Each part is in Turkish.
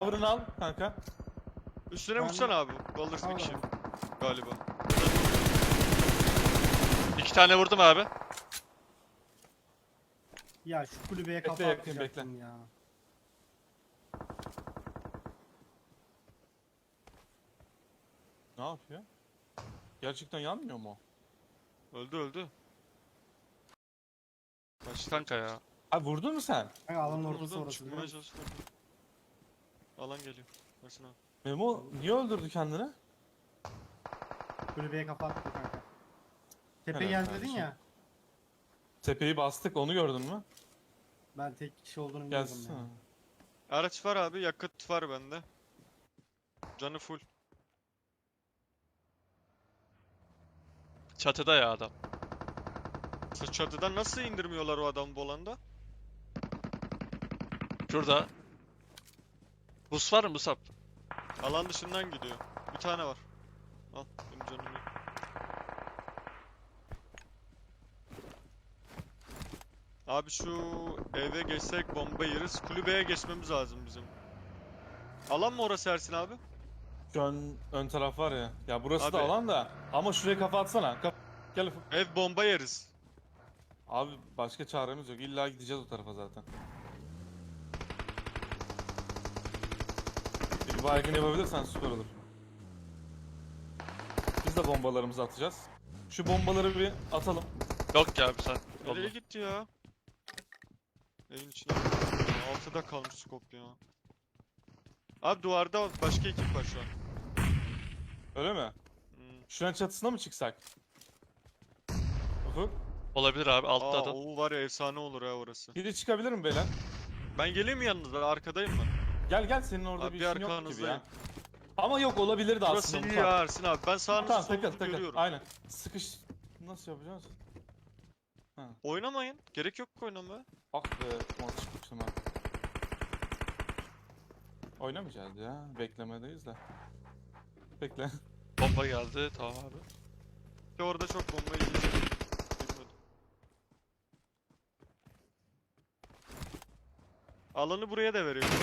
Cover'ını al kanka. Üstüne Ben- vursana abi. Alırsın bir Al kişi. abi. Galiba. 2 tane vurdum abi. Ya şu kulübeye Bekle, kafa yakın, atacaktım ya. Ne yapıyor? Gerçekten yanmıyor mu? Öldü öldü. Kaçtı. Kanka ya. Abi vurdun mu sen? Kanka alanın Vurdum, ortası vurdum. orası. Çıkmaya çalıştım. Alan geliyor. Versin abi. Memo niye öldürdü kendini? Kulübeye kafa attı kanka. Tepe Helal geldi dedin kardeşim. ya. Tepeyi bastık, onu gördün mü? Ben tek kişi olduğunu bilmiyordum Gelsin. ya. Araç var abi. Yakıt var bende. Canı full. Çatıda ya adam. Sırf çatıdan nasıl indirmiyorlar o adamı bolanda? Şurada. Bus var mı Musab? Alan dışından gidiyor. Bir tane var. Al. Benim canım yok. Abi şu eve geçsek bomba yeriz. Kulübeye geçmemiz lazım bizim. Alan mı orası Ersin abi? Şu an ön taraf var ya. Ya burası da Abi. alan da. Ama şuraya kafa atsana. Gel Ufuk. Ev bomba yeriz. Abi başka çaremiz yok. İlla gideceğiz o tarafa zaten. Bir baygın yapabilirsen süper olur. Biz de bombalarımızı atacağız. Şu bombaları bir atalım. Yok ya abi sen. Nereye Oldu. gitti ya? Evin içine. Altıda kalmış skop ya. Abi duvarda başka ekip var şu an. Öyle mi? Hmm. Şuranın çatısına mı çıksak? Ufuk. Olabilir abi altta Aa adam. o var ya efsane olur ha orası. Biri çıkabilir mi beyler? Ben geleyim mi yanınıza? Arkadayım ben. Gel senin orada Abi bir bir işin yok gibi arkanızdayım. ya. Ama yok olabilir de Burası aslında. iyi Murat. ya Ersin abi. Ben sağınızı Tamam solunuzu takıl takıl. görüyorum. Aynen. Sıkış. Nasıl yapacağız? Oynamayın. Gerek yok ki oynamaya. Ah be. Maç çıkmıştım ha. Oynamayacağız ya. Beklemedeyiz de. Bekle. Bomba geldi. Tamam abi. İşte orada çok bomba yiyeceğim. Bilmedim. Alanı buraya da veriyor.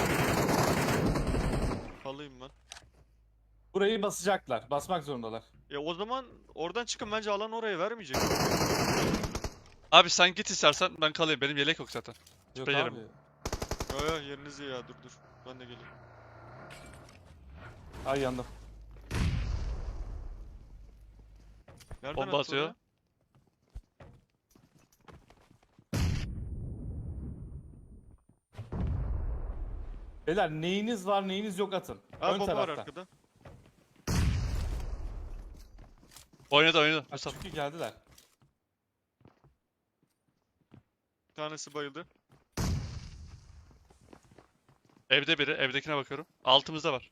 Alayım ben. Burayı basacaklar. Basmak zorundalar. Ya o zaman oradan çıkın bence alan oraya vermeyecek. Abi sen git istersen ben kalayım. Benim yelek yok zaten. Yok Süper abi. yerim. Yo yo yeriniz iyi ya dur. Ben de geleyim. Ay yandım. Nereden Bomba attı atıyor. oraya? Beyler neyiniz var neyiniz yok atın. Ha Ön bomba var tarafta. arkada. Oynadı Ha, Musab. çünkü geldiler. Bir tanesi bayıldı. Evde biri. Evdekine bakıyorum. Altımızda var.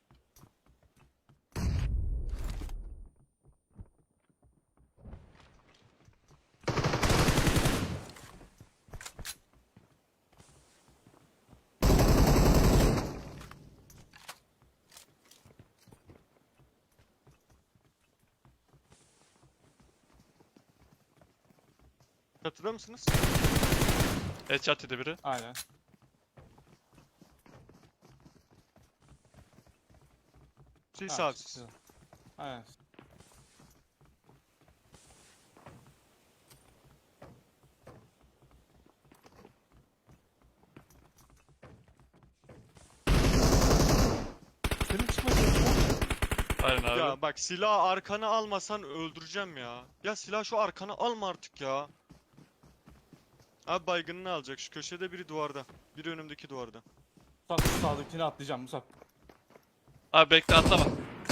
Çatıda mısınız? Headshot dedi biri. Aynen. Siz Ha, abi. çıktı. Aynen. Senin çıkmadın. Aynen abi. Ya bak silahı arkana almasan öldüreceğim ya. Ya silah şu arkana alma artık ya. Abi baygınını alacak. Şu köşede biri duvarda. Biri önümdeki duvarda. Musab şu sağdakini atlayacağım Musab. Abi bekle atlama.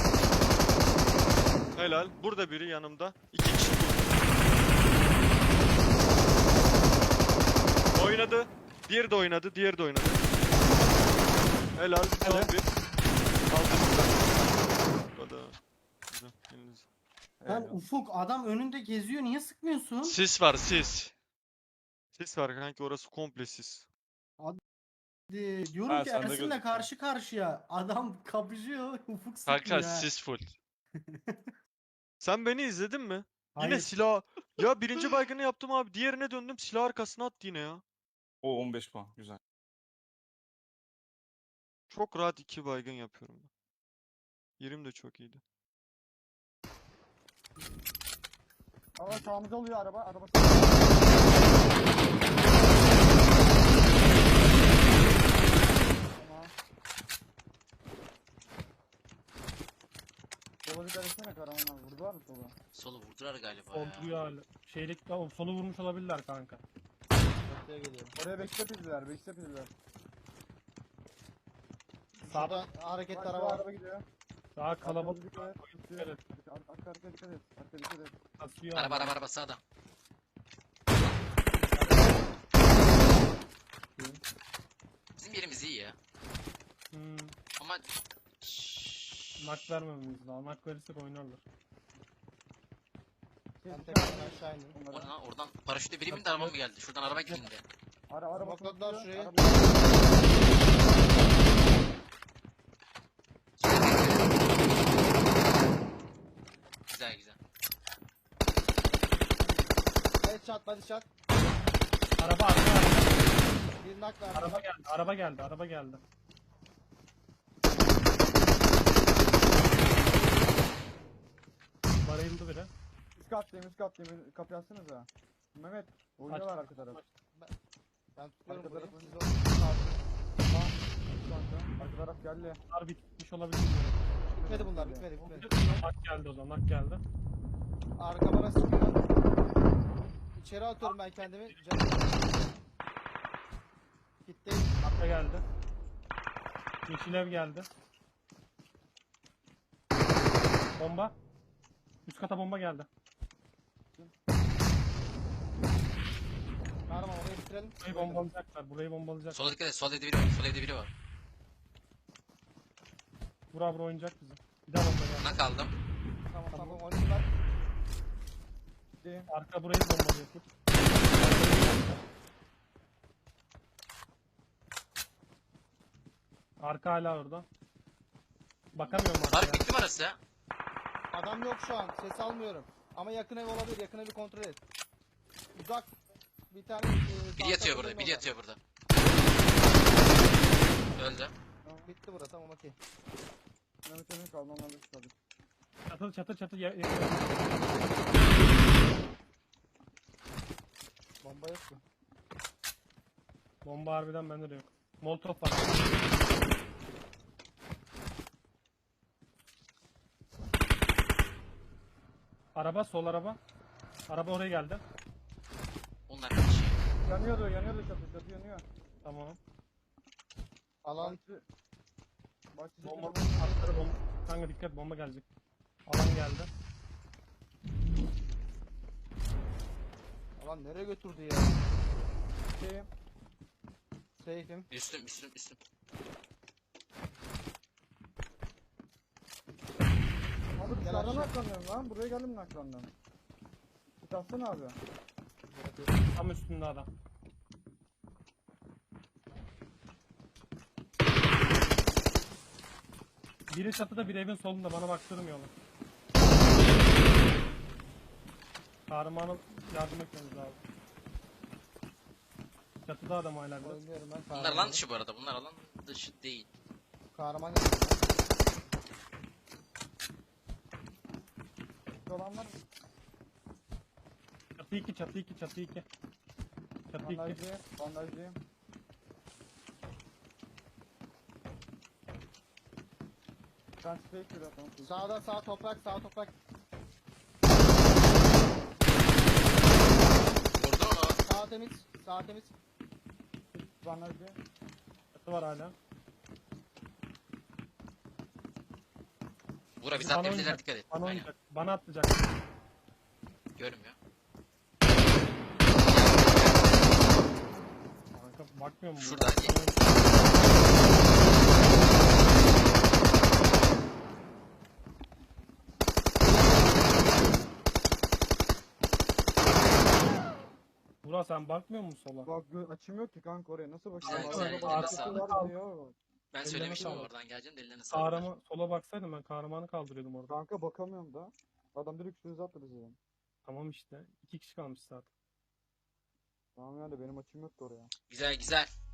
Helal. Burada biri yanımda. İki kişi burada. Oynadı. Diğeri de oynadı. Diğeri de oynadı. Helal. Son Helal. bir. Aldım. Bu kadar. Güzel. Elinize. Lan Eyvallah. Ufuk adam önünde geziyor niye sıkmıyorsun? Sis var sis. Sis var kanki orası komple sis. Diyorum Ha, ki sen de Ersin'le gözüküyor. karşı karşıya. Adam kapışıyor Ufuk sıkmıyor Kanka ha. sis full. Sen beni izledin mi? Yine Hayır. silah. Ya birinci baygını yaptım abi. Diğerine döndüm silah arkasına attı yine ya. O 15 puan. Güzel. Çok rahat 2 baygın yapıyorum ben. Yerim de çok iyiydi. Ama sağımıza oluyor araba. Araba Tamam. Sola dikkat etsene Karaman abi. Vurdular mı sola? Solu vurdular galiba ya. Orduyu hala. Şeylik tamam solu vurmuş olabilirler kanka. Ortaya geliyorum. Oraya backstep izler. Backstep izler. Sağda hareketli Arka araba var. araba gidiyor. Daha kalabalık Dikkat et. dikkat et. Arka dikkat et. Arka dikkat et. Kasıyor. Araba sağda. Bizim yerimiz iyi ya. Hmm, Ama nak vermememiz lazım. Nak verirsek oynarlar. Ben tekrardan aşağı indim. o ne lan? Oradan paraşütle biri bindi, araba mı geldi? Şuradan araba indi. Araba Smokladılar tutuyor. şurayı. Güzel güzel. Headshot, body shot. Araba araba. Bir knock verdim. Araba geldi. Araba geldi. Araba geldi. Bayıldı biri. Üst kattayım. Kapıyı açsanıza. Mehmet. Oynuyorlar arka taraf. Ben tutuyorum Arka burayı. tarafı. Siz orada Tamam. Kanka. Arka taraf geldi. Bunlar bitmiş olabilir. bitmedi bunlar, bitmedi. Nak geldi o zaman. Nak geldi. Arka bana sıkıyor. İçeri atıyorum ben kendimi. Canım. Gitti. Nakla geldi. Yeşil ev geldi. Bomba. Üst kata bomba geldi. Kahraman orayı bitirelim. Burayı bombalayacaklar. Burayı bombalayacaklar. Sola dikkat et. Sol evde biri var. Sol evde biri var. Bura bura oynayacak bizi. Bir daha bomba geldi. Nak aldım. Tamam oynadılar. Arka burayı bombalıyor. Tut. Arka hala orada. Bakamıyorum arkaya. Tarık bitti mi arası ya? Adam yok şu an. Ses almıyorum. Ama yakın ev olabilir. Yakın evi kontrol et. Uzak. Bir tane... Biri yatıyor burada. Biri yatıyor burada. Öldü. Bitti burası, tamam okey. Mehmet Emin kaldı. Onlarla çıkardık. Çatı Bomba yok mu? Bomba harbiden bende de yok. Molotov var. Araba sol araba. Araba oraya geldi. Onlar kaç. Yanıyordu çatı. Çatı yanıyor. Tamam. Alan Bahçesi Bomba atları bomba. Kanka dikkat bomba gelecek. Alan geldi. Alan nereye götürdü ya? şeyim. Safe'im. Üstüm. Abi Gel dışarıdan aşağı. naklanıyorum lan. Buraya geldim naklandım. Git atsana abi. Tam üstünde adam. Biri çatıda bir evin solunda bana baktırmıyorlar. Kahramanı yardım etmemiz lazım. Çatıda adam hala biraz. Oynuyorum ben. Bunlar Kahraman alan dışı bu arada. Bunlar alan dışı değil. Kahraman yapıyorum. Şu olan var mı? Çatı 2 çatı 2 çatı 2. Çatı 2. Bandajlıyım. Ben space bir atalım. Sağ toprak. Vurdu onu. Sağ temiz. Bandajlıyım. Çatı var hala. Buğra biz Bana atlayabilirler, oynayacak, dikkat et. Bana Aynen. oynayacak. Bana atlayacak. Görmüyor. Kanka bakmıyor mu? Şurada, hadi. Burak sen bakmıyor musun sola? Bak açım yok ki kanka oraya. Nasıl Güzel, bakayım? güzel, Arada ellerine arkası sağlık. var diyor. Ben Ellerine söylemiştim sağlık. oradan geleceğim de ellerine sağlık. Kahraman sola baksaydım ben kahramanı kaldırıyordum orada. Kanka bakamıyorum da. Adam direkt üstünüze attı bizi. Tamam işte. 2 kişi kalmış zaten. Tamam yani benim açım yoktu oraya. Güzel güzel.